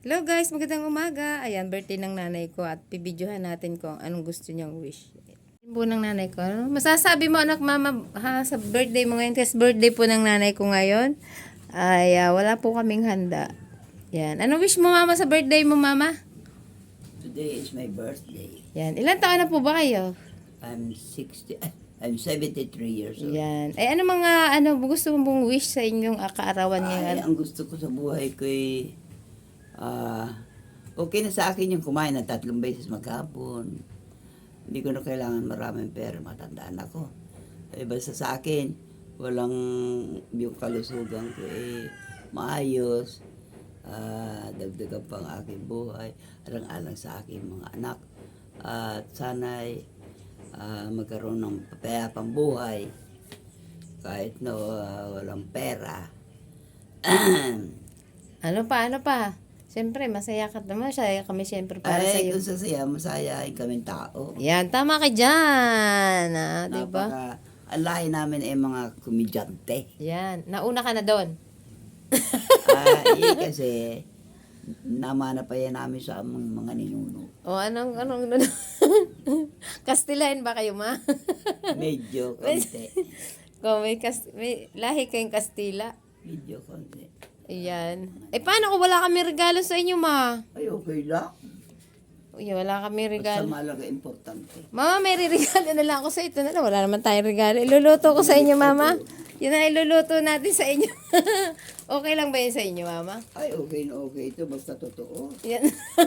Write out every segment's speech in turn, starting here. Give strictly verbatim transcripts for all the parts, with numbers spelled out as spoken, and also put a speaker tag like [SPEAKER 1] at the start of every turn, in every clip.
[SPEAKER 1] Hello guys, magandang umaga. Ayan, birthday ng nanay ko at pibidyohan natin kung anong gusto niyang wish. Yun po ng nanay ko. Ano masasabi mo anak mama ha, sa birthday mo ngayon? Kasi birthday po ng nanay ko ngayon. Ay, ah, wala po kaming handa. Yan. Ano wish mo mama sa birthday mo mama?
[SPEAKER 2] Today is my birthday.
[SPEAKER 1] Yan. Ilan taon na po ba kayo?
[SPEAKER 2] I'm sixty. I'm seventy-three years old.
[SPEAKER 1] Yan. Ay, ano mga, ano, gusto mong wish sa inyong ah, kaarawan
[SPEAKER 2] Ay,
[SPEAKER 1] ngayon?
[SPEAKER 2] ang gusto ko sa buhay ko ay ah, okay na sa akin yung kumain ng tatlong beses maghapon. Hindi ko na kailangan maraming pera, matandaan ako. Eh, basta sa akin, walang yung kalusugan ko eh maayos. Ah, dagdagan pa ang aking buhay, alang-alang sa aking mga anak. At sana'y ah, magkaroon ng papayapang buhay kahit na ah, walang pera.
[SPEAKER 1] Ano pa, ano pa? Siyempre, masaya ka naman. Masaya kami siyempre para sa
[SPEAKER 2] Ay,
[SPEAKER 1] iyo.
[SPEAKER 2] kung sasaya, masayahin kaming tao.
[SPEAKER 1] Yan, tama ka dyan. Ah, di ba?
[SPEAKER 2] Napaka, ang lahi namin ay mga komedyante.
[SPEAKER 1] Yan, nauna ka na doon.
[SPEAKER 2] Ah, eh, kasi namana pa yan namin sa aming mga ninuno.
[SPEAKER 1] O anong, anong, Kastilain ba kayo, ma?
[SPEAKER 2] Medyo konti.
[SPEAKER 1] Kung may, kas, may lahi kayong Kastila.
[SPEAKER 2] Medyo konti.
[SPEAKER 1] Ayan. Eh, paano kung wala kami regalo sa inyo, ma?
[SPEAKER 2] Ay, okay lang.
[SPEAKER 1] Uy, wala kami
[SPEAKER 2] Basta
[SPEAKER 1] regalo.
[SPEAKER 2] malaga importante.
[SPEAKER 1] Mama, may regalo na lang ako sa ito na lang. Wala naman tayong regalo. Iluluto ko sa inyo, mama. Yun na iluluto natin sa inyo. Okay lang ba yun sa inyo, mama?
[SPEAKER 2] Ay, okay na okay ito. Basta totoo.
[SPEAKER 1] Yan.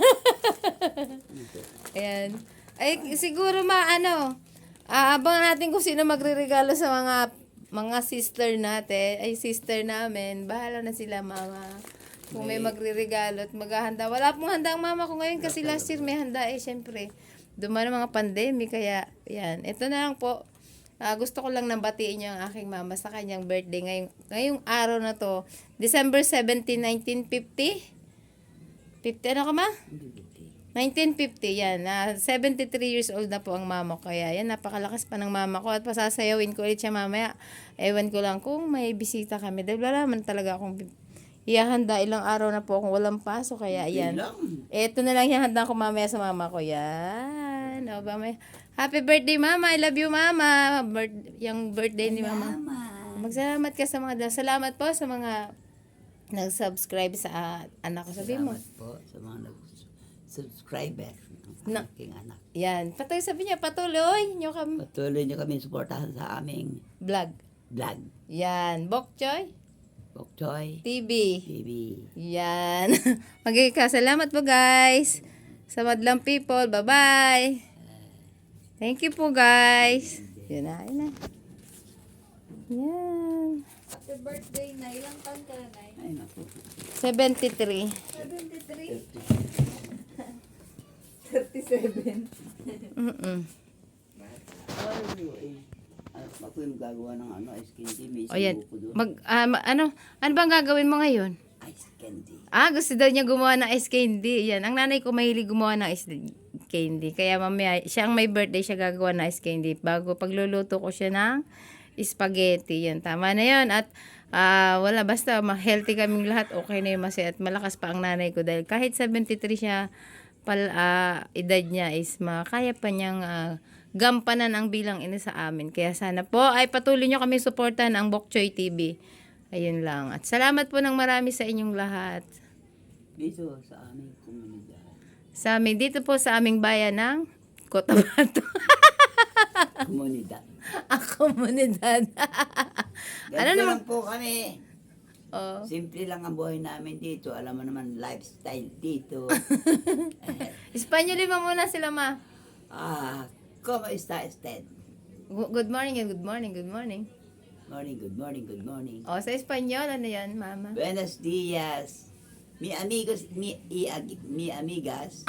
[SPEAKER 1] Ayan. Ay, siguro ma, ano, aabangan natin kung sino magre-regalo sa mga mga sister natin. Ay, sister namin. Bahala na sila, mama. Kung may magre-regalo at maghahanda. Wala pong handa ang mama ko ngayon kasi last year may handa eh, syempre. Dumaan ang mga pandemic, kaya, yan. Ito na lang po. Ah, gusto ko lang nang batiin yung aking mama sa kanyang birthday ngayong, ngayong araw na to. December seventeenth, nineteen fifty? fifty ano ka ma? nineteen fifty, yan. Uh, seventy-three years old na po ang mama ko. Kaya yan, napakalakas pa ng mama ko. At pasasayawin ko ulit siya mamaya. Ewan ko lang kung may bisita kami. Dahil wala naman talaga akong ihahanda. Ilang araw na po akong walang pasok. Kaya yan. Ito na lang ihahanda ko mamaya sa mama ko. Yan. O ba, may... Happy birthday, mama. I love you, mama. Birth... Yung birthday ni mama. Magsalamat ka sa mga... Salamat po sa mga nag-subscribe sa uh, anak ko. Sabi mo.
[SPEAKER 2] Salamat po sa mga nag-subscriber ng
[SPEAKER 1] Na-
[SPEAKER 2] aking anak.
[SPEAKER 1] Yan. Patuloy sabi niya, patuloy nyo kami.
[SPEAKER 2] Patuloy niyo kami suportahan sa aming
[SPEAKER 1] Vlog.
[SPEAKER 2] vlog.
[SPEAKER 1] Yan. Bok Choy
[SPEAKER 2] Bok Choy
[SPEAKER 1] T V.
[SPEAKER 2] T V.
[SPEAKER 1] Yan. Magkakasalamat po guys. Sa Madlang People. Bye-bye. Thank you po guys. Yun na. Yun na. Yan.
[SPEAKER 3] Happy birthday na. Ilang taon ka na, Nay?
[SPEAKER 2] Ay, naku.
[SPEAKER 1] seventy-three.
[SPEAKER 3] seventy-three? thirty-seven.
[SPEAKER 1] Mm-mm.
[SPEAKER 2] Ako yung gagawa ng ano, ice candy. May
[SPEAKER 1] O yan.
[SPEAKER 2] isang buko doon.
[SPEAKER 1] Mag, ah, ma- ano, ano bang gagawin mo ngayon?
[SPEAKER 2] Ice candy.
[SPEAKER 1] Ah, gusto daw niya gumawa ng ice candy. Yan. Ang nanay ko mahilig gumawa ng ice candy. Kaya mamaya, siya ang may birthday, siya gagawa ng ice candy. Bago pagluluto ko siya ng spaghetti. Yan. Tama na yun. At ah, wala, basta ma-healthy kaming lahat. Okay na yung masaya. At malakas pa ang nanay ko. Dahil kahit seventy-three siya, pal, ah, edad niya is makaya pa niyang ah, gampanan ang bilang ina sa amin. Kaya sana po ay patuloy nyo kami suportahan ang Bok Choy T V. Ayun lang. At salamat po ng marami sa inyong lahat.
[SPEAKER 2] Dito sa aming komunidad.
[SPEAKER 1] Sa amin, dito po sa aming bayan ng Cotabato.
[SPEAKER 2] Komunidad.
[SPEAKER 1] Ang komunidad. Ano
[SPEAKER 2] Ganito
[SPEAKER 1] naman?
[SPEAKER 2] lang po kami.
[SPEAKER 1] Oh.
[SPEAKER 2] Simple lang ang buhay namin dito. Alam mo naman, lifestyle dito.
[SPEAKER 1] Espanyolin mo muna sila, ma.
[SPEAKER 2] Ah, ¿cómo está usted?
[SPEAKER 1] Gu- Good morning and good morning, good morning.
[SPEAKER 2] Morning, good morning, good morning.
[SPEAKER 1] O, sa Espanyol, ano yan, mama?
[SPEAKER 2] Buenos días. Mi amigos, mi, i, ag- mi amigas.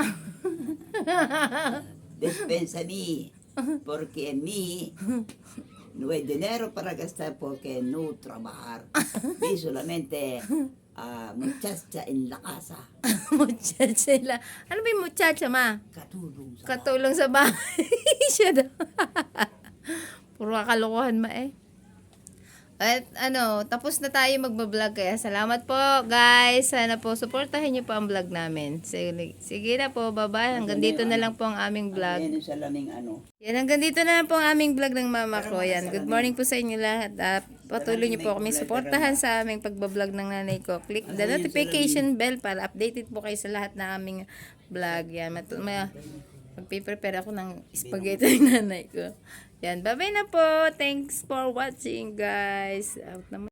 [SPEAKER 2] Despensa mi. Porque mi no hay dinero para gastar porque no trabajar. Y solamente ah, muchacha en la casa.
[SPEAKER 1] Muchacha sila. Ano ba yung muchacha, ma?
[SPEAKER 2] Katulong sa
[SPEAKER 1] Katulong sa bahay. Siya daw. Puro kakalokohan, ma eh. At ano, tapos na tayo magbablog kaya salamat po guys. Sana po supportahin niyo po ang vlog namin. Sige, sige na po, bye-bye. Hanggang dito na lang po ang aming vlog.
[SPEAKER 2] Yan yung salaming ano.
[SPEAKER 1] Yan, hanggang dito na lang po ang aming vlog ng mama ko. Yan, good morning po sa inyo lahat. At patuloy niyo po kami suportahan sa aming pagbablog ng nanay ko. Click the notification bell para updated po kayo sa lahat ng aming vlog. Yan, mat- may, magpiprepare ako ng spaghetti ng nanay ko. Yan, bye-bye na po. Thanks for watching guys. Out naman.